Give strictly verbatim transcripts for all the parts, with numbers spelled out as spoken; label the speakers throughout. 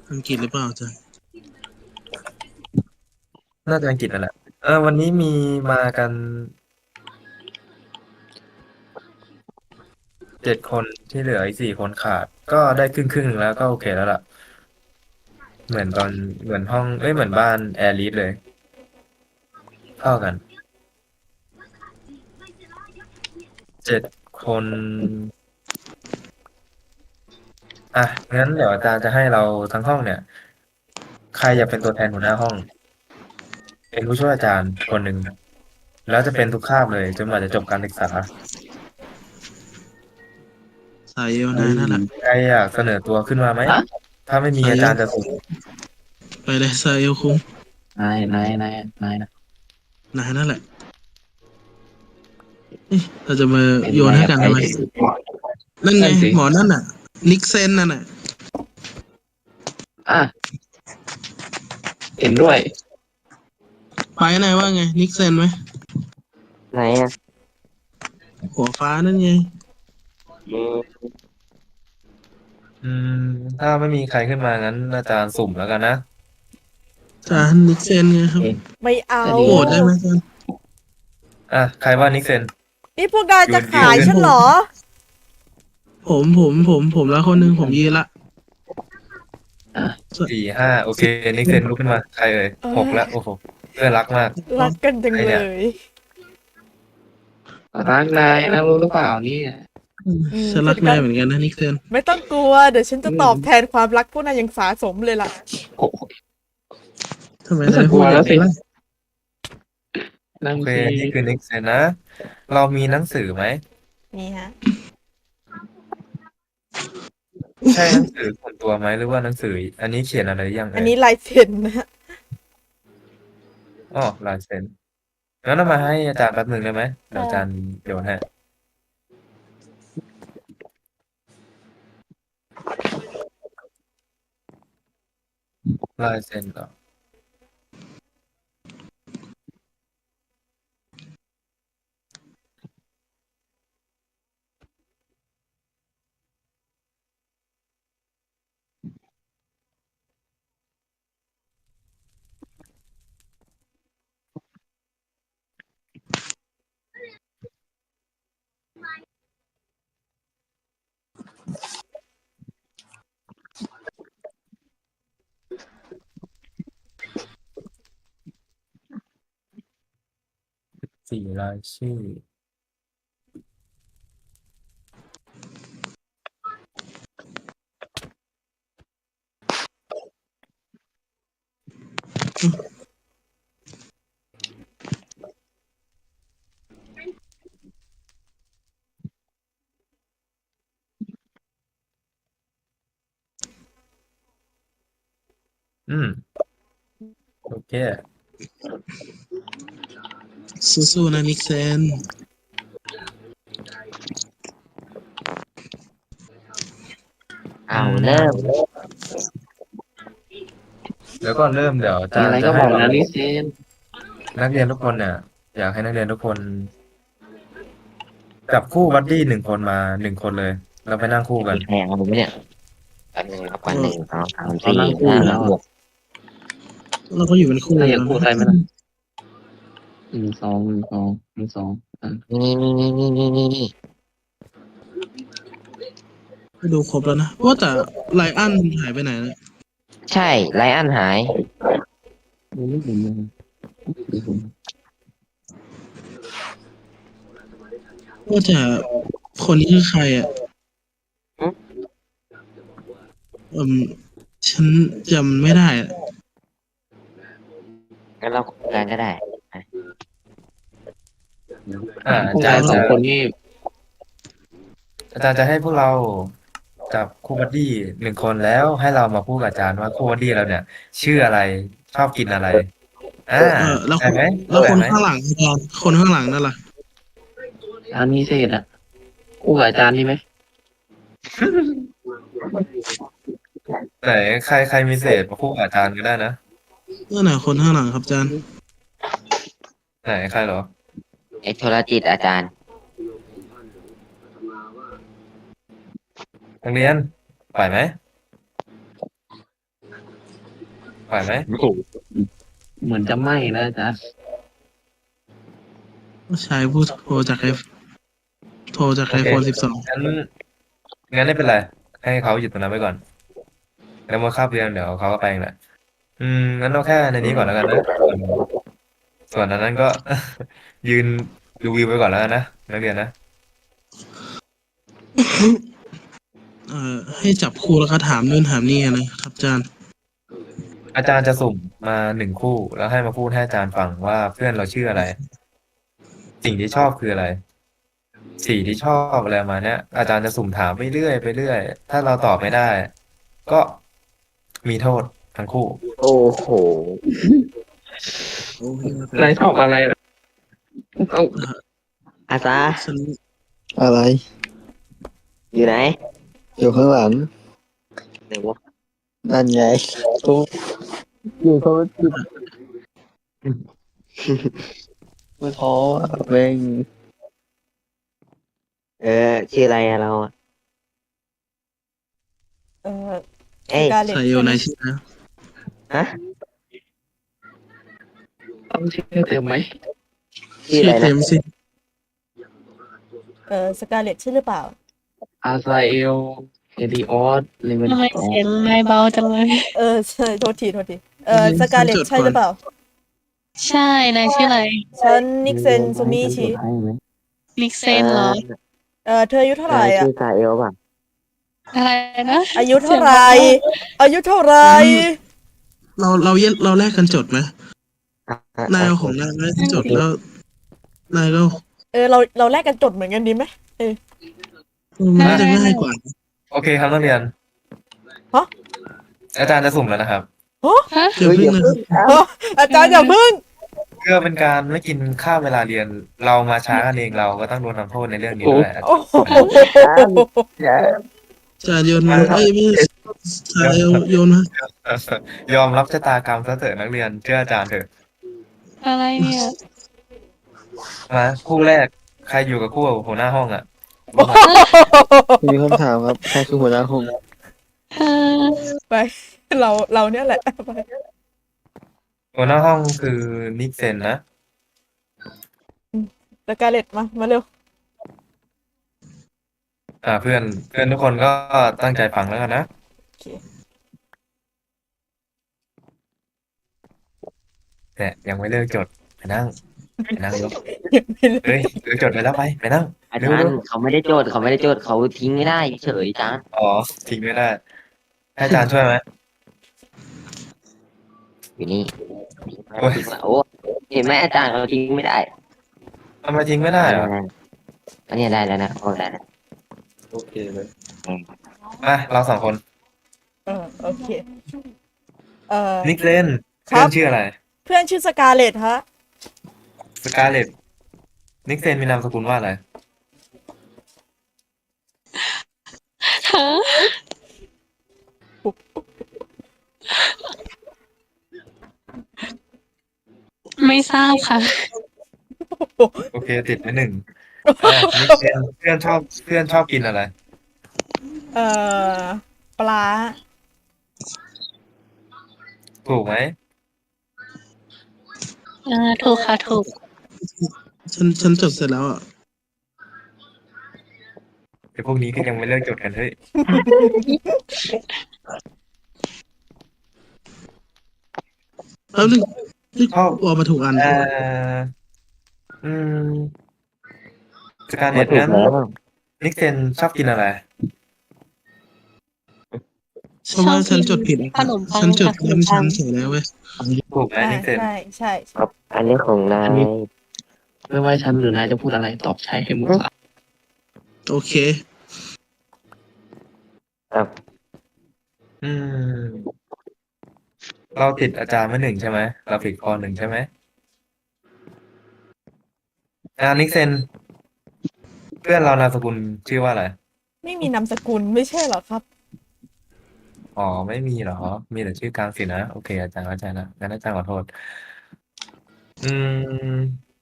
Speaker 1: อังกฤษหรือเปล่าอาจารย์
Speaker 2: น่าจะอังกฤษนั่นแหละเออวันนี้มีมากันเจ็ดคนที่เหลืออีกสี่คนขาดก็ได้ครึ่งครึ่งหนึ่งแล้วก็โอเคแล้วล่ะเหมือนตอนเหมือนห้องเอ้ยเหมือนบ้านแอร์ลีดเลยเท่ากันเจ็ดคนอ่ะงั้นเดี๋ยวอาจารย์จะให้เราทั้งห้องเนี่ยใครอยากเป็นตัวแทนหัวหน้าห้องเป็นผู้ช่วยอาจารย์คนหนึ่งแล้วจะเป็นทุกคาบเลยจนกว่าจะจบการศึกษา
Speaker 1: สายเอว
Speaker 3: เฮ้ย
Speaker 1: นายนั่นแหละ
Speaker 2: ใครอยากเสนอตัวขึ้นมาไหม
Speaker 3: ฮะ
Speaker 2: ถ้าไม่มี
Speaker 1: สายเอว
Speaker 2: อาจารย์จะสุ่ม
Speaker 1: ไปเลยสายเอวคุง
Speaker 3: นายนายนายนายนะ
Speaker 1: นายนั่นแหละเอ๊ะเราจะมา
Speaker 3: เป็น
Speaker 1: โยน
Speaker 3: นายกับใคร
Speaker 1: ให้กันทำไม
Speaker 3: สิ
Speaker 1: นั่นไง
Speaker 3: นั่นสิ
Speaker 1: หมอนั่นน่ะนิกเซนนั่นน่ะ
Speaker 3: อ่ะเห็นด้วย
Speaker 1: ไปนายว่าไงนิกเซนไหม
Speaker 3: ไหนอ่ะ
Speaker 1: หัวฟ้านั่นไง
Speaker 3: อืม
Speaker 2: อืมถ้าไม่มีใครขึ้นมางั้นอาจารย์สุ่มแล้วกันนะ
Speaker 1: อาจารย์นิกเซนไงครับ
Speaker 3: เอ๊ะ
Speaker 4: ไม่เอา
Speaker 3: ก็ดี
Speaker 1: โหวตได้ไหมอาจารย์
Speaker 2: อ่ะใครว่านิกเซน
Speaker 4: นี่พวกนาย
Speaker 2: ยื
Speaker 4: จะขาย
Speaker 2: นยืน
Speaker 4: ฉันเหรอ
Speaker 1: ผมผมผมผมแล้วคนหนึ่งผมยืนละ
Speaker 3: อ่ะ
Speaker 2: สี่ห้าโอเคนิกเซนลุกขึ้นมาใครเอ่ย
Speaker 4: เอ้ย
Speaker 2: หกแล้วโอ้โหเพื่อนรักมาก
Speaker 4: รักกันจัง
Speaker 2: ใคร
Speaker 4: เล
Speaker 2: เนี่ย
Speaker 4: ย
Speaker 3: รักนายนะรู้หรือเปล่าเนี่ย
Speaker 1: อืม
Speaker 4: อืม
Speaker 1: ฉันรัก
Speaker 4: ฉันก็
Speaker 1: นายเหมือนกันนะนิกเซน
Speaker 4: ไม่ต้องกลัว เดี๋ยวฉันจะตอบแทนความรักพวกนายอย่างสาสมเลยล่ะ
Speaker 3: โอ้โห
Speaker 1: ทำไม
Speaker 3: ไม่ต้
Speaker 1: นา
Speaker 3: อย งก
Speaker 1: พู
Speaker 3: ลั
Speaker 1: ด
Speaker 3: ว
Speaker 1: อย่า
Speaker 3: แล้
Speaker 1: ง
Speaker 3: วสิ
Speaker 1: นั้นล่ะ
Speaker 3: นั่ง
Speaker 2: โอเค
Speaker 3: สิ
Speaker 2: นี่คือนิกเซนนะเรามีหนังสือไหม
Speaker 4: นี่ฮะ
Speaker 2: ใช่หนังสือส่วนตัวไหมหรือว่าหนังสืออันนี้เขียนอะไรยัง
Speaker 4: อัน
Speaker 2: เอ่ย
Speaker 4: นี้ลายเซ็นนะ
Speaker 2: อ๋อลายเซ็นงั้นเอามาให้อาจารย์แป๊บหนึ่งได้ไหมเดี๋ยว
Speaker 4: ค่ะ
Speaker 2: อาจารย์โยนให้ลายเซ็นเหรอสี่รายชื่ออืมโอเค
Speaker 1: สู้ๆนะนิกเซน
Speaker 3: อ้าวเริ่ม
Speaker 2: เดี๋ยวก่อนเริ่มเดี๋ยวอา
Speaker 3: มี
Speaker 2: จาร
Speaker 3: อะไรก็บอก
Speaker 2: ย์จะให้เรา
Speaker 3: นะลิเซน
Speaker 2: นักเรียนทุกคนเนี่ยอยากให้นักเรียนทุกคนจับคู่บัดดี้หนึ่งคนมาหนึ่งคนเลยแล้วไปนั่งคู่กัน
Speaker 3: มีใครอยากเอาผมไหมเนี่ยแป๊บนึงนับก่อนหนึ่งสองสาม
Speaker 1: เรา
Speaker 3: สี่
Speaker 1: นั่งคู่
Speaker 3: ห้า
Speaker 1: อยู่แล้ว
Speaker 3: ห
Speaker 1: อะ
Speaker 3: ก
Speaker 1: เราก็อยู่เป็นคู่
Speaker 3: ถ้า
Speaker 1: อ
Speaker 3: อยาก
Speaker 1: ยู่แล้วนะ
Speaker 3: พูดอะไรไหมล่ะหนึ่งสองหนึ่งสองหนึ่งสองอ่ะนี่นี่นี่นี่นี่นี่นี่
Speaker 1: ก็ดูครบแล้วนะว่าแต่ไลอันหายไปไหนนะ
Speaker 3: ใช่ไลอ้อนหายดูไม่เห็นเลยดูผม
Speaker 1: ว่าแต่คนนี้คือใครอ่ะอืมฉันจำไม่ได้อะ
Speaker 3: งั้นเราคุยกันก็ได้อ่ะ
Speaker 2: อ่าอา
Speaker 3: พวกาย
Speaker 2: จานรย์
Speaker 3: สอ
Speaker 2: จะ
Speaker 3: งคนนี่
Speaker 2: อาจารย์จะให้พวกเราจับคู่บัดดี้หนึ่งคนแล้วให้เรามาพูดกับอาจารย์ว่าคู่บัดดี้เราเนี่ยชื่ออะไรชอบกินอะไรอ่า
Speaker 1: เออแล้วค
Speaker 2: ใช่
Speaker 1: น
Speaker 2: ไหม
Speaker 1: แล้ว
Speaker 2: เข้าใจไหม
Speaker 1: คนข้างหลังอาจารย์คนข้างหลังนั่นล่ะ
Speaker 3: อาจารย์มีเศษอ่ะคู่กับอาจารย์นี่ไหม
Speaker 2: ไหนใครใครมีเศษมาคู่กับอาจารย์ก็ได้นะ
Speaker 1: นั่นน่ะคนข้างหลังครับอาจารย์
Speaker 2: ไหนใครเหรอ
Speaker 3: ไอ้โทรจิตอาจารย์
Speaker 2: นักเรียนไปไหมไหวไหม
Speaker 3: โอ้โหเหมือนจะไหม้นะอาจารย์
Speaker 1: ชายผู้โทรจากไอโทรจาก
Speaker 2: โอ
Speaker 1: ไอ
Speaker 2: เค
Speaker 1: โฟนสิบสอง
Speaker 2: งั้นงั้นไม่เป็นไรให้เขาหยุดตรงนั้นไว้ก่อนแล้วเมื่อคาบเรียนเดี๋ยวเขาก็ไปเองแหละอืมงั้นเอาแค่ในนี้ก่อนแล้วกันนะส่วนส่วนอันนั้นก็ ยืนดูวิวไปก่อนแล้วกันนะนักเรียนนะ
Speaker 1: เอ่อให้จับคู่แล้วก็ถามนู่นถามนี่นะครับอาจารย์
Speaker 2: อาจารย์จะสุ่มมาหนึ่งคู่แล้วให้มาพูดให้อาจารย์ฟังว่าเพื่อนเราชื่ออะไร สิ่งที่ชอบคืออะไร สีที่ชอบอะไรประมาณเนี้ยอาจารย์จะสุ่มถามไปเรื่อยไปเรื่อยถ้าเราตอบไม่ได้ ก็มีโทษทั้งคู่
Speaker 3: โอ้โหนายชอบอะไรล่ะเอ้า
Speaker 5: อาซา
Speaker 1: ฉัน
Speaker 5: อะไร อยู่ไหน อยู่ข้างหลัง
Speaker 3: ไหนวะ
Speaker 5: นั่นไงโอ้อยู่เขาจุดไม่ท้ออ่ะแม่งเออชื่ออะไรอะเราอะ
Speaker 4: เออ
Speaker 5: เอ้ย
Speaker 4: กาเล็ต
Speaker 1: ใส่โยนายชื่อนะ
Speaker 5: ฮะ
Speaker 3: ต้องชื่อเต็มไหม
Speaker 5: ชื่อ
Speaker 1: ชื่
Speaker 5: อะ
Speaker 1: อ
Speaker 5: ไร
Speaker 1: เต็
Speaker 5: นะ
Speaker 1: มสิ
Speaker 4: เออสกาเลตใช่หรือเปล่า
Speaker 3: อาซาเอลเอดิออสเลเวน
Speaker 6: ทำไม
Speaker 3: สอง
Speaker 6: เสียงนายเบาจังเลย
Speaker 4: เออใช่โทษทีโทษทีเออสกาเลตใช่หรือเปล่า
Speaker 6: ใช่ นายชื่ออะไร
Speaker 4: ฉันนิกเซนซูมิชิ
Speaker 3: ให้ไหม
Speaker 6: นิกเซนเหรอ
Speaker 4: เออเธออายุเท่าไหร่
Speaker 5: นาย
Speaker 4: อ่ะ
Speaker 5: ชื่อซาเอลป่ะ
Speaker 6: อะไรนะ
Speaker 4: อายุเท่าไหร่อายุเท่าไหร่
Speaker 1: เราเราเย็เราแลกกันจดไหม
Speaker 5: อ่ะอ่ะ
Speaker 1: นายเอาของนายมาแลกกันจดแล้วนายก็
Speaker 4: เออเราเราแลกกันจดเหมือนกันดีไหมเออ
Speaker 1: มันน่าจะง่ายกว่า
Speaker 2: โอเคครับนักเรียน
Speaker 4: ฮะ
Speaker 2: อาจารย์จะสุ่มแล้วนะครับ
Speaker 6: ฮะ
Speaker 1: เดี๋ยว
Speaker 5: เฮ้ย
Speaker 1: เพิ่ง
Speaker 5: เดี๋ยว
Speaker 1: นะ
Speaker 5: เพิ่งเอา
Speaker 4: อาจารย์อย่าพึ่ง
Speaker 2: เพื่อเป็นการไม่กินข้าวเวลาเรียน เรามาช้ากันเองเราก็ต้องโดนทำโทษในเรื่องนี้ด้วย
Speaker 4: โอ้โห
Speaker 5: อย่า
Speaker 1: จานโยนมาเอ้ยไม่ชายโยนมาย
Speaker 2: อมรับชะตากรรมซะเถอะนักเรียนเชื่ออาจารย์เถอะ
Speaker 6: อะไรเนี่ย
Speaker 2: มาคู่แรกใครอยู่กับคู่หัวหน้าห้องอ่ะ
Speaker 5: มีคำถามครับใครคือหัวหน้าห้อง
Speaker 6: เออ
Speaker 4: ไปเราเราเนี่ยแหละไป
Speaker 2: หัวหน้าห้องคือนิกเซนนะ
Speaker 4: สกาเลตมามาเร็ว
Speaker 2: อ่าเพื่อนเพื่อนทุกคนก็ตั้งใจฟังแล้วกันนะ
Speaker 4: โอเค
Speaker 2: แต่ยังไม่เลิกจดไปนั่งไปนั่งยก
Speaker 4: ไม่เลิก
Speaker 2: เฮ้ยเลิกจดไปแล้วไปไปนั่ง
Speaker 3: อา
Speaker 2: เร็
Speaker 3: จาว ร
Speaker 2: เร็ว
Speaker 3: ย์เขาไม่ได้โจทย์เขาไม่ได้โจทย์เขาทิ้งไม่ได้เฉยๆจ้า
Speaker 2: อ๋อทิ้งไม่ได้ให้อาจารย์ช่วยไหม
Speaker 3: อยู่นี่
Speaker 2: โอ้ย
Speaker 3: โอ้เห็นไหมอาจารย์เขาทิ้งไม่ได้
Speaker 2: ทำไมทิ้งไม่ได้เหรอ
Speaker 3: อันนี้ได้แล้วนะโอ้ได้แล้ว
Speaker 2: โอเคเลยอ่ะเราสองคน
Speaker 4: เออโอเคเออ
Speaker 2: นิกเซน
Speaker 4: ครั
Speaker 2: เพื่อบ นชื่ออะไร
Speaker 4: เพื่อนชื่อสกาเลตฮะ
Speaker 2: สกาเลตนิกเซนมีนามสกุลว่าอะไร
Speaker 6: ฮะ ไม่ทราบค่ะ
Speaker 2: โอเคติดไปหนึ่งอ่ะนิกเซนเพื่อนชอบเพื่อนชอบกินอะไร
Speaker 4: เออปลา
Speaker 2: ถูกไหม
Speaker 6: เออ ถูกค่ะ ถูก
Speaker 1: ฉันฉันจดเสร็จแล้วอ่ะ
Speaker 2: ไอ้พวกนี้ก็ยังไม่เลิกจดกันเฮ้ย
Speaker 1: แป๊บนึงนี่
Speaker 2: ชอบ
Speaker 1: ออกมาถูกอัน
Speaker 2: เอ่ออืมสกาเล
Speaker 5: มา
Speaker 2: ต
Speaker 5: ถูก
Speaker 2: นั้น
Speaker 5: แล้ว
Speaker 2: นิกเซนชอบกินอะไร
Speaker 1: เพราะว่าฉันจดผิด
Speaker 6: ขนมปัง
Speaker 1: ฉันจด
Speaker 6: กับขน
Speaker 1: ย้ำ
Speaker 6: มปั
Speaker 1: ชั้
Speaker 6: ง
Speaker 1: นใส่แล้วเว้ย
Speaker 2: ถูกไหม
Speaker 4: อ่า
Speaker 2: นิกเซน
Speaker 4: ใช่ใช่
Speaker 5: ครับ อันนี้ของนาย
Speaker 3: ไม่ว่าฉันหรือนายจะพูดอะไรตอบใช่ให้หมดละ
Speaker 1: โอเค
Speaker 5: ครับ
Speaker 2: อืม เราติดอาจารย์มาหนึ่งใช่ไหมเราผิดข้อหนึ่งใช่ไหมอ่านิกเซน เพื่อนเรานามสกุลชื่อว่าอะไร
Speaker 4: ไม่มีนามสกุลไม่ใช่เหรอครับ
Speaker 2: อ๋อไม่มีเหรอ มีแต่ชื่อกลางสินะ โอเค อาจารย์เข้าใจนะงั้นอาจารย์ขอโทษ อืม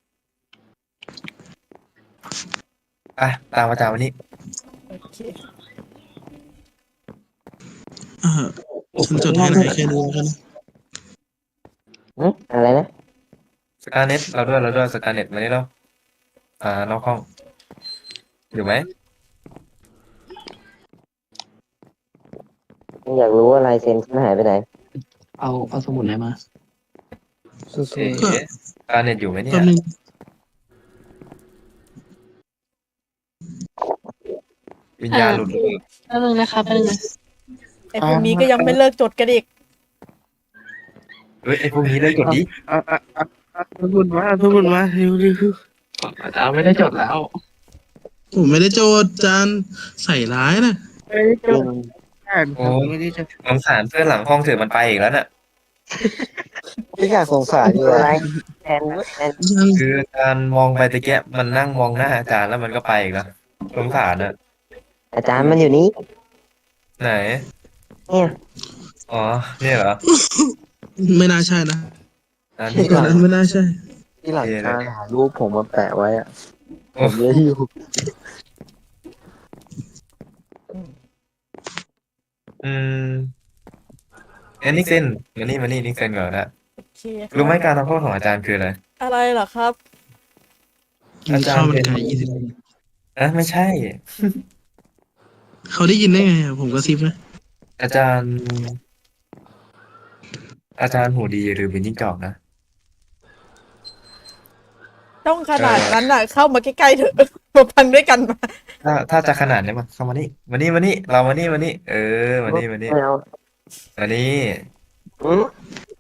Speaker 2: อ่ะตามอาจารย์วันนี้
Speaker 4: โอเค
Speaker 1: อ่าฉันจดให้นายแค่นี้แล้วกันนะ
Speaker 5: หึอะไรนะ
Speaker 2: สกาเน็ตเราด้วยเราด้วยสกาเน็ตมานี่แล้วอ่านอกห้องอยู่ไหม
Speaker 5: อยากรู้ว่าลายเซ็นฉันหายไปไหน
Speaker 3: เอาเอาสมุดไหนมา
Speaker 2: เอ๊ะสกาเน็ตอยู่ไหมเนี่
Speaker 1: แป๊
Speaker 2: ย
Speaker 1: บนึง
Speaker 2: วิญญาณหลุดหรือเปล่า
Speaker 6: แป๊บนึงนะคะแป๊บนึงนะ
Speaker 4: ไอ้พวกนี้ก็ยังไม่เลิกจดกันอีก
Speaker 2: เฮ้ยไอพวกนี้เลยกดดิ
Speaker 3: อ่ะอ่ะอ่ะอ่ะสมุดมาสมุดมาเร็วเร็วอาจารย์ไม่ได้จดแล้ว
Speaker 1: ผมไม่ได้โจทย์อาจารย์ใส่ร้ายนะ
Speaker 3: ไม่ได้จดอ่าน
Speaker 2: โอ้
Speaker 3: ไม่ได้จด
Speaker 2: สงสารเพื่อนหลังห้องเถอะมันไปอีกแล้วน่ะ
Speaker 5: ไม่อยากสงสารอยู่อะไรแทนแทน
Speaker 1: ยัง
Speaker 2: คือการมองไปตะแกะมันนั่งมองหน้าอาจารย์แล้วมันก็ไปอีกแล้วสงสารน่ะ
Speaker 5: อาจารย์มันอยู่นี้
Speaker 2: ไหน
Speaker 5: เนี่ย
Speaker 2: อ๋อเนี่ยเหรอ
Speaker 1: ไม่น่าใช่นะ
Speaker 2: อันนี้
Speaker 1: ตอนนั้นไม่น่าใช่
Speaker 5: ที่หลังคาหารูปผมมาแปะไว้อะผ
Speaker 2: โอ้
Speaker 5: มเลยอยู่
Speaker 2: อืมเอ็นนิกเซนมานี่มานี่นิกเซนก่อนนะ
Speaker 4: โอเค
Speaker 2: รู้ไหมการทำโทษของอาจารย์คืออะไร
Speaker 4: อะไรเหรอครับ
Speaker 1: กินข้าวมันไก่ยี่สิบ
Speaker 2: อ่ะไม่ใช่
Speaker 1: เขาได้ยินได้ไงอะผมก็ซิบนะ
Speaker 2: อาจารย์ อาจารย์หูดีหรือเป็นจิ้งจอกนะ
Speaker 4: ต้องขนาดนั้นน่ะ เข้ามาใกล้ๆเถอะมาพันด้วยกันมา
Speaker 2: ถ้าถ้าจะขนาดนี้มาเข้ามานี่มานี่มานี่เรามานี่มานี่เออมานี่มานี่
Speaker 5: ไม่เอา
Speaker 2: มานี่
Speaker 5: อืม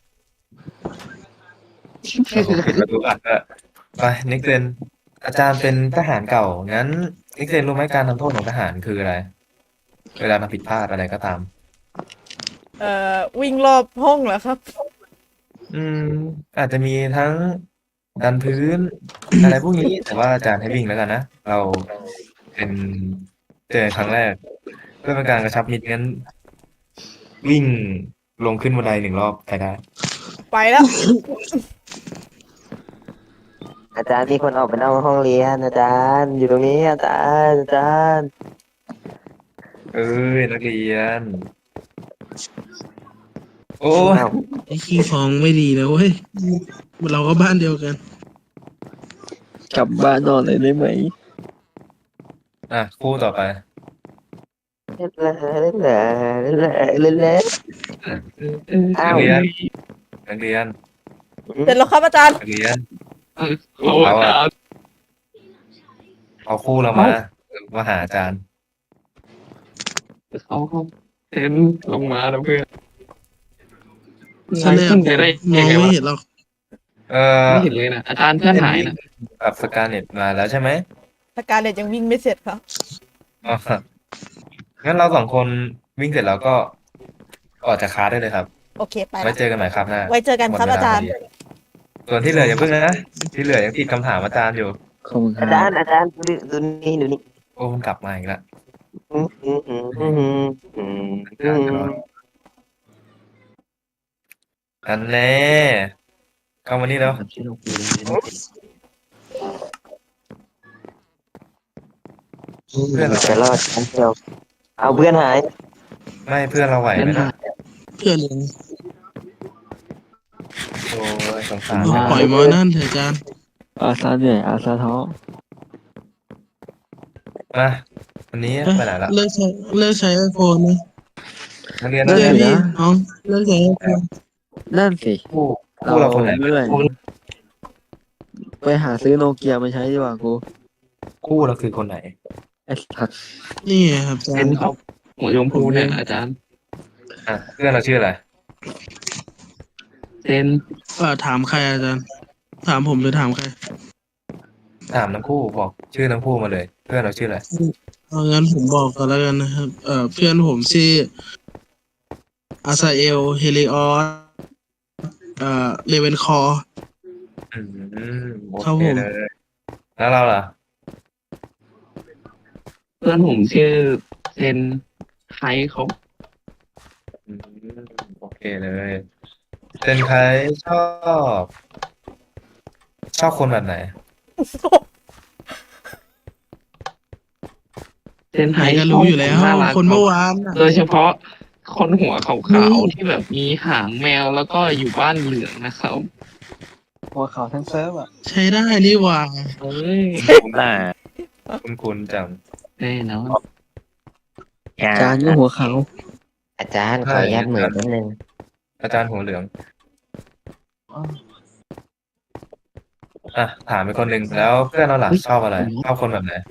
Speaker 2: เราปิดประตูอัดอะไปนิกเซนอาจารย์เป็นทหารเก่างั้นนิกเซนรู้ไหมการทำโทษของทหารคืออะไร เวลาทำผิดพลาดอะไรก็ตาม
Speaker 4: เอ่อวิ่งรอบห้องเหรอครับ
Speaker 2: อืม อาจจะมีทั้งดันพื้น อะไรพวกนี้ แต่ว่าอาจารย์ให้วิ่งแล้วกันนะ เราเป็นเจอครั้งแรก เพื่อเป็นการกระชับมิตรงั้น วิ่งลงขึ้นบันไดหนึ่งรอบไปได้
Speaker 4: ไปแล้ว
Speaker 5: อาจารย์มีคนออกไปนอกห้องเรียน อาจารย์อยู่ตรงนี้อาจารย์อาจารย์
Speaker 2: เอ้ยนักเรียน โอ้ย
Speaker 5: อ้าว
Speaker 1: ไอ้ขี้ฟองไม่ดีนะเว้ยเราก็บ้านเดียวกัน
Speaker 5: กลับบ้านนอนเลยได้ไหม
Speaker 2: อ่ะคู่ต่อไป
Speaker 5: เล่นเลยเล่นเลยเล่นเลยเล่นเลยอ้า
Speaker 2: นั
Speaker 5: ว
Speaker 2: กเรียน นักเรียน
Speaker 4: เสร็จแล้วครับอาจารย์
Speaker 2: นักเรียน
Speaker 3: โอ้อาจารย์
Speaker 2: เอาคู่เรามา มาหาอาจารย์
Speaker 3: เขาเขาเซ็นลงมาแล้วเพื่อน
Speaker 1: ฉันเนี่ย
Speaker 3: ขึ้นไปได้
Speaker 1: ม
Speaker 3: ยั
Speaker 1: อง
Speaker 3: งไง
Speaker 1: ไม่
Speaker 3: วะ
Speaker 1: เห็นหรอก
Speaker 2: เอ่อ
Speaker 3: ไม่เห็นเลยนะอาจารย์เพื่อนหายนะ
Speaker 2: กับสกาเน็ตมาแล้วใช่ไหม
Speaker 4: สการเลตยังวิ่งไม่เสร็จครับ
Speaker 2: อ๋องั้นเราสองคนวิ่งเสร็จแล้วก็ออกจากคลาสได้เลยครับ
Speaker 4: โอเคไป
Speaker 2: ไว้
Speaker 4: ละ
Speaker 2: เจอกันใหม่ครับหน้า
Speaker 4: ไว้เจอกันครับ
Speaker 2: หมดเวล
Speaker 4: อาจารย์
Speaker 2: พดีส่วนที่เหลืออย่าเพิ่งนะ ที่เหลือยังติดคำถามอาจารย์อยู่
Speaker 5: ขอบคุณอาจารย์อาจารย์ดูดูนี่ดูนี่
Speaker 2: โอ้มันกลับมาอีกแล้ว
Speaker 5: อืมอืมอืมอืมอืมอืม
Speaker 2: อาจารย์จะรออันแน่เข้ามานี่แล้ว
Speaker 3: ที่เราคุยกันไม่ได้
Speaker 2: เพื่อนเรา
Speaker 5: จะรอดครั้งเดียวเอาเพื่อนหาย
Speaker 2: ไม่เพื่อนเราไหวไหมนะ
Speaker 1: เพื่อนเลย
Speaker 2: โอ้ยสงสาร
Speaker 1: เอาปล่อยมอนั่นเถอะอาจารย์
Speaker 5: อาซาเหนื่อยอาซาท้อ
Speaker 2: มาวันนี้
Speaker 1: เอ้ย
Speaker 2: ไปไหนละ
Speaker 1: เลิกใช้เลิกใช้ไอโฟนนะ
Speaker 2: นักเรียน
Speaker 1: เจ
Speaker 2: นัก
Speaker 1: อ
Speaker 2: เรียน
Speaker 1: พี่น้องเลิกใช้ไอโฟน
Speaker 5: นั่นสิ
Speaker 2: คู่คู่เราคนไหน
Speaker 5: เมื่อย
Speaker 2: คู่
Speaker 5: ไปหาซื้อโนเกียมาใช้ดีกว่ากู
Speaker 2: คู่เราคือคนไหน
Speaker 5: ไอ้สัตว์
Speaker 1: นี่ไงครับอาจาร
Speaker 3: เป็น
Speaker 1: ย์
Speaker 3: เขาหัวชมพูเนี่ยอาจารย์
Speaker 2: อ่ะเพื่อนเราชื่ออะไร
Speaker 3: เซ็น
Speaker 1: เออถามใครอาจารย์ ถามผมหรือถามใคร
Speaker 2: ถามทั้งคู่บอกชื่อทั้งคู่มาเลย เพื่อนเราชื่ออะไร
Speaker 1: เอางั้นผมบอกก่อนแล้วกันนะครับ เอ่อเพื่อนผมชื่ออาซาเอลเฮลิออสเอ่อเลเวนคอร์
Speaker 2: อืมโอ
Speaker 1: ครับ
Speaker 2: เค
Speaker 1: ผม
Speaker 2: เลย แล้วเราล่ะ
Speaker 3: เพื่อนผมชื่อเซ็นไทยเขา
Speaker 2: อืมโอเคเลยเป็นใครชอบ ชอบคนแบบไหน
Speaker 3: เซ็นไท
Speaker 1: ใคร
Speaker 3: ย
Speaker 1: ก็รู้อยู่แล้ว
Speaker 3: น่ารัก
Speaker 1: คนเมื่อวานน่ะ
Speaker 3: โดยเฉพาะคนหัวขาวๆที่แบบมีหางแมวแล้วก็อยู่บ้านเหลืองนะครับ
Speaker 5: หัวเขาทั้งเซิร์ฟอ่ะ
Speaker 1: ใช้ได้นี่หว่า
Speaker 3: เอ้ย
Speaker 2: คุณน่าคุณคุณจัง
Speaker 3: แน่นอน
Speaker 5: อาจารย์ก็หัวเขาอาจารย์ขออนุญาตเหมือนนิดนึง
Speaker 2: อาจารย์หัวเหลืองอ่ะถามไปคนหนึ่งแล้วเพื่อนเราล่ะชอบอะไรชอบคนแบบไหน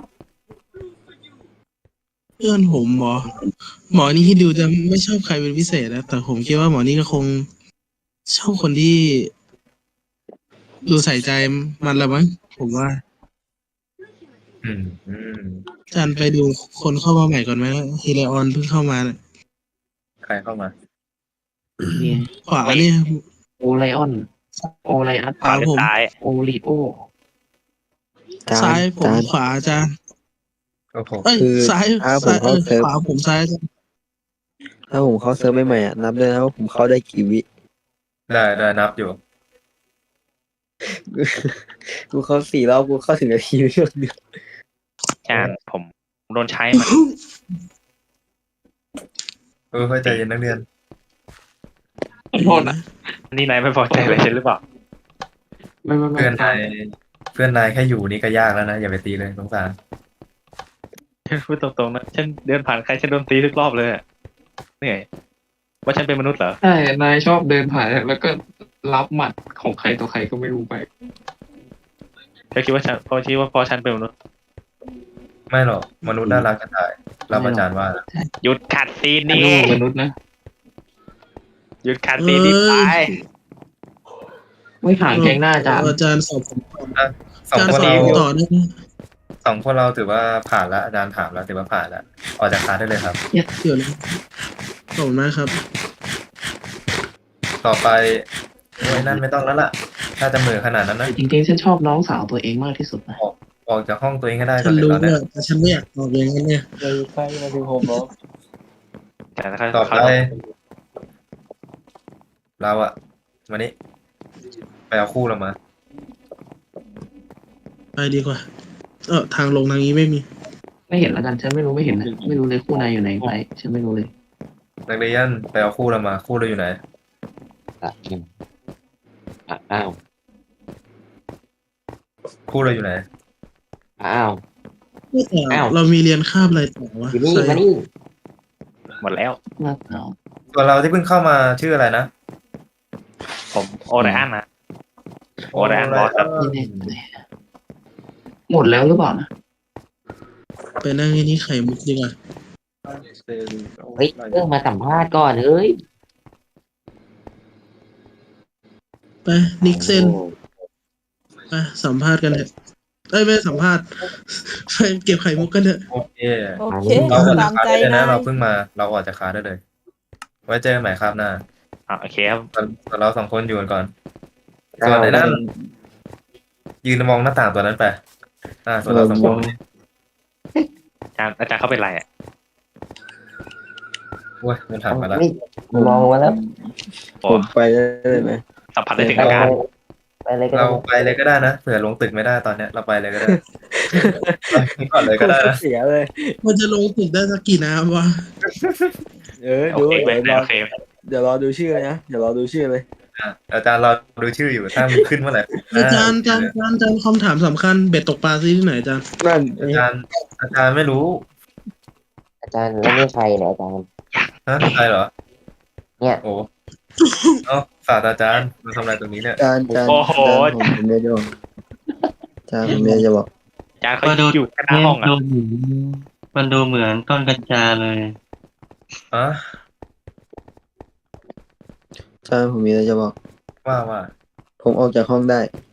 Speaker 1: เพื่อนผมหมอหมอนี่ที่ดูจะไม่ชอบใครเป็นพิเศษนะแต่ผมคิดว่าหมอนี่ก็คงชอบคนที่ ดูใส่ใจมันละมั้งผมว่า
Speaker 2: อืมอืม
Speaker 1: อาจารย์ไปดูคนเข้ามาใหม่ก่อนไหมฮิเลออนเพิ่งเข้ามาน่ะ
Speaker 2: ใครเข้ามา
Speaker 3: เนี่ย
Speaker 1: ขวาเนี่ย
Speaker 3: โอไลออน โอไลอัส
Speaker 1: ขวาผม
Speaker 3: โอริโอ
Speaker 1: ซ้ายผมขวาอาจารย์
Speaker 2: โอ้โห
Speaker 1: เอ้ย
Speaker 5: คือ
Speaker 1: ซ้าย
Speaker 5: ถ้าผม
Speaker 1: ซ้ายเอ
Speaker 5: เข้า
Speaker 1: อ
Speaker 5: เซิร์ฟ
Speaker 1: ขวาผมซ้ายอาจารย์
Speaker 5: ถ้าผมเข้าเซิร์ฟใหม่ๆอ่ะนับด้วยนะว่าผมเข้าได้กี่วิ
Speaker 2: ได้ได้นับอยู่
Speaker 5: กูเข้าสี่รอบกูเข้าถึงนาทีเดียว
Speaker 7: อาจารย์ผมโดนใช้มา
Speaker 2: เออเข้าใจเย็นนักเรียน
Speaker 3: ขอโทษนะ
Speaker 7: นี่นายไม่พอใจอะไรฉันหรือเปล่า
Speaker 3: ไม่ไม่ไม่
Speaker 2: เพื่อนนายเพื่อนนายแค่อยู่นี่ก็ยากแล้วนะอย่าไปตีเลยสงสาร
Speaker 7: พูดตรงๆนะฉันเดินผ่านใครฉันโดนตีทุกรอบเลยอะเหนื่อยว่าฉันเป็นมนุษย์เหรอ
Speaker 3: ใช่ นายชอบเดินผ่านแล้วก็รับหมัดของใครต่อใครก็ไม่รู้ไป
Speaker 7: เธอคิดว่าฉันพอคิดว่าพอฉันเป็นมนุษย์
Speaker 2: ไม่หรอกมนุษย์น่ารักกันได้รับอาจารย์ว่า
Speaker 7: หยุดขัดซีน
Speaker 3: อัน
Speaker 7: นี่
Speaker 3: นี้มนุษย์นะ
Speaker 7: หยุดขัดซีนนี่ไป
Speaker 3: ไม่ห่างแกงหน้าอาจารย์
Speaker 1: อาจารย์สอบผม
Speaker 2: สอง
Speaker 1: อาจารย์
Speaker 2: คน
Speaker 1: สอบ
Speaker 2: เรา
Speaker 1: ผมต่อได้ไหม
Speaker 2: สองคนเราถือว่าผ่านแล้วอาจารย์ถามแล้วถือว่าผ่านแล้วออกจากคลาสได้เลยครับ
Speaker 1: เดี๋ยวนะขอบคุณมากครับ
Speaker 2: ต่อไปโอ้ยนั่นไม่ต้องแล้วล่ะ ถ้าจะเหมือขนาดนั้นนะ
Speaker 3: จริงๆฉันชอบน้องสาวตัวเองมากที่สุดนะ
Speaker 2: ออกจากห้องตัวเองก็ได้ก่
Speaker 1: ฉั
Speaker 2: อน
Speaker 1: น
Speaker 2: เลย
Speaker 1: รู้
Speaker 2: ตอนเนี้
Speaker 1: ว่าย แต่ฉันไม่อยากตอบอย่างนั้นเนี่ย
Speaker 5: เลยไปมาถึงผมแล้ว
Speaker 7: แต่ถ้า
Speaker 2: ต่อ
Speaker 7: เขา
Speaker 2: ไปเราอะมานี่ไปเอาคู่เรามา
Speaker 1: ไปดีกว่า เออทางลงทางนี้ไม่มี
Speaker 3: ไม่เห็นแล้วกันฉันไม่รู้ไม่เห็นนะไม่รู้เลยคู่นายอยู่ไหนไปฉันไม่รู้เลย
Speaker 2: นักเรียนไปเอาคู่เรามา คู่เราอยู่ไหน
Speaker 3: อ่ะอ้าว
Speaker 2: คู่เราอยู่ไหน
Speaker 3: อ้าว
Speaker 1: แต่
Speaker 3: อ้าว
Speaker 1: เรามีเรียนคาบอะไรต่อวะ
Speaker 3: อยู่นี่
Speaker 1: ใช่
Speaker 3: มานี่
Speaker 7: หมดแล้ว
Speaker 3: มาเอา
Speaker 2: ส่วนเราที่เพิ่งเข้ามาชื่ออะไรนะ
Speaker 7: ผมโอไรอันนะโอไรอันบอสครับ
Speaker 3: ไม่แน่เลยหมดแล้วหรือเปล่านะ
Speaker 1: ไปนั่งที่นี่ไข่มุกดีกว่า
Speaker 5: เฮ้ยเรื่องมาสัมภาษณ์ก่อนเอ้ย
Speaker 1: ไปนิกเซนไปสัมภาษณ์กันเถอะเอ้ยไม่สัมภาษณ์ ไปเก็บไข่มุกกันเถอะ
Speaker 2: โอเค
Speaker 4: โอเค
Speaker 2: เราออกจา
Speaker 4: ตาก ม
Speaker 2: คลาส
Speaker 4: ใจ
Speaker 2: ได้เลย
Speaker 4: นา
Speaker 2: นะ
Speaker 4: ย
Speaker 2: เราเพิ่งมา เราออกจากคลาสได้เลย ไว้เจอกันใหม่ครับหน้า
Speaker 7: อ่ะโอเคครับ
Speaker 2: ส่วนส่วนเราสองคนอยู่กันก่อน ส่วนไอ้นั่นยืนมองหน้าต่างตัวนั้นไป อ่า ส่วนเราสองคน
Speaker 7: อาจารย์อาจารย์เขาเป็นไรอ่ะ
Speaker 2: โอ้ยมันถามมาแล้ว
Speaker 5: มองมาแล้ว
Speaker 7: โอ้
Speaker 5: ผมไปได้เลยไหม
Speaker 7: สัมผัสได้ถึงอาการ
Speaker 5: ไปเลยก็
Speaker 2: เรา
Speaker 5: ได้
Speaker 2: ไปเลยก็ได้นะเผื่อลงตึกไม่ได้ตอนเนี้ยเราไปเลยก็ได้ ไปก่อนเลยก็ได้นะ
Speaker 5: เสียเลย
Speaker 1: มันจะลงตึกได้สักกี่น้ำวะ
Speaker 5: เออ
Speaker 7: โอ
Speaker 5: ดู
Speaker 7: เคไหม
Speaker 5: เดี๋ยวรอ
Speaker 7: โอเคไหม
Speaker 5: เดี๋ยวรอดูชื่อเลยนะเดี๋ยวรอดูชื่อเลย
Speaker 2: อ่ะอาจารย์เราดูชื่ออยู่ถ้ามีขึ้นเมื่อไหร่
Speaker 1: อาจารย์อาจารย์อาจารย์อาจารย์คำถามสำคัญเบ็ดตกปลาซื้อที่ไหนอาจารย์
Speaker 5: นั่น
Speaker 2: อาจารย์อาจารย์ไม่รู้
Speaker 5: อาจารย์แล้วนี่ใครเนี่ยอาจารย์
Speaker 2: ฮะใครเหรอ
Speaker 5: เนี่ย
Speaker 2: โอ้เอ้าศาสตราจารย์มาทำอะไรตรงนี้เนี่ย
Speaker 5: อาจารย์อาจารย์
Speaker 7: โอ้โห
Speaker 5: อาจารย์ผมไม่ได้บอกอาจารย์ผมไม่ได้จะบอก
Speaker 7: อาจารย์เขาอยู่แค่หน้าห้องอ่ะ
Speaker 8: มันดูเหมือนต้นกัญชาเลย
Speaker 2: อ่ะ
Speaker 5: อาจารย์ผมมีอะไรจะบอก
Speaker 2: ว่าว่า
Speaker 5: ผมออกจากห้องได้